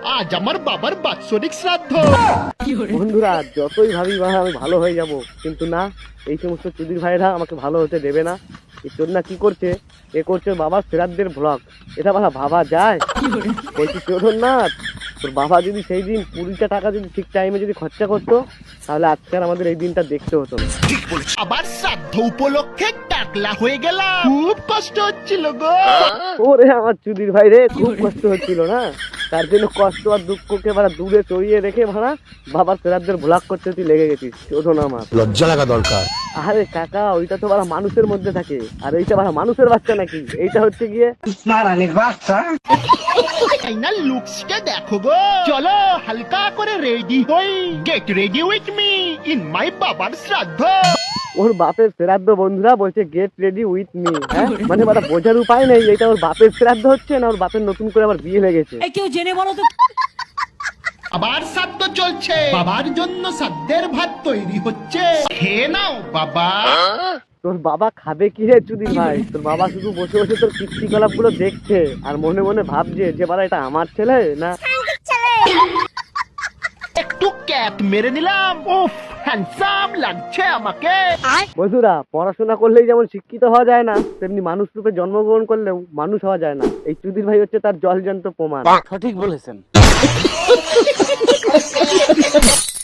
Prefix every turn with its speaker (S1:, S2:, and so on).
S1: আজ আমার বাবার বাৎসরিক শ্রাদ্ধ।
S2: বন্ধুরা যতই ভাবি ভাই আমি ভালো হয়ে যাব, কিন্তু না, এই সমস্ত চুদির ভাইরা আমাকে ভালো হতে দেবে না। এই চোদনা কি করছে, এ করছে বাবার শ্রাদ্ধের ব্লগ। এটা ভাবা যায়? বলছি চোদননাথ, তোর বাবা যদি সেই দিন 20টা টাকা যদি ঠিক টাইমে যদি খরচা করতো, তাহলে আজকে আর আমাদের এই দিনটা দেখতে হতো না।
S1: আবার শ্রাদ্ধ উপলক্ষে টাকলা হয়ে গেলাম, খুব কষ্ট হচ্ছিল গো।
S2: ওরে আমার চুদির ভাই রে, খুব কষ্ট হচ্ছিল না? তার জন্য কষ্ট আর দুঃখকে ভাড়া দূরে সরিয়ে রেখে ভাড়া বাবার শ্রাদ্ধের ভ্লগ করতে তুই লেগে গেছিস। চোদন আমার
S3: লজ্জা লাগা দরকার।
S2: আরে কাকা, ওইটা তো ভাড়া মানুষের মধ্যে থাকে, আর এইটা ভাড়া মানুষের বাচ্চা নাকি? এইটা হচ্ছে গিয়ে
S1: ফাইনাল লুকসটা দেখো গো। চলো হালকা করে রেডি হই, get ready with me in my বাবার শ্রাদ্ধ।
S2: ওর বাপের শ্রাদ্ধ, বন্ধুরা বলছে গেট রেডি উইথ মি। হ্যাঁ মানে ভাড়া বোঝার উপায় নেই এটা ওর বাপের শ্রাদ্ধ হচ্ছে না ওর বাপের নতুন করে আবার বিয়ে লেগেছে।
S4: কেউ জেনে বলো তো।
S1: আবার শ্রাদ্ধ চলছে, বাবার জন্য শ্রাদ্ধের ভাত তৈরি হচ্ছে, খেয়ে নাও বাবা।
S2: তোর বাবা খাবে কি রে চুদির ভাই? তোর বাবা শুধু বসে বসে তোর কীর্তিকলাপ গুলো দেখছে আর মনে মনে ভাবছে যে বাবা এটা আমার ছেলে না।
S1: একটু ক্যাপ মেরে নিলাম, উফ হ্যান্ডসাম লাগছে আমাকে।
S2: বন্ধুরা পড়াশোনা করলেই যেমন শিক্ষিত হওয়া যায় না, তেমনি মানুষ রূপে জন্মগ্রহণ করলেও মানুষ হওয়া যায় না। এই চুদির ভাই হচ্ছে তার জলজান্ত প্রমাণ।
S4: সঠিক বলেছেন।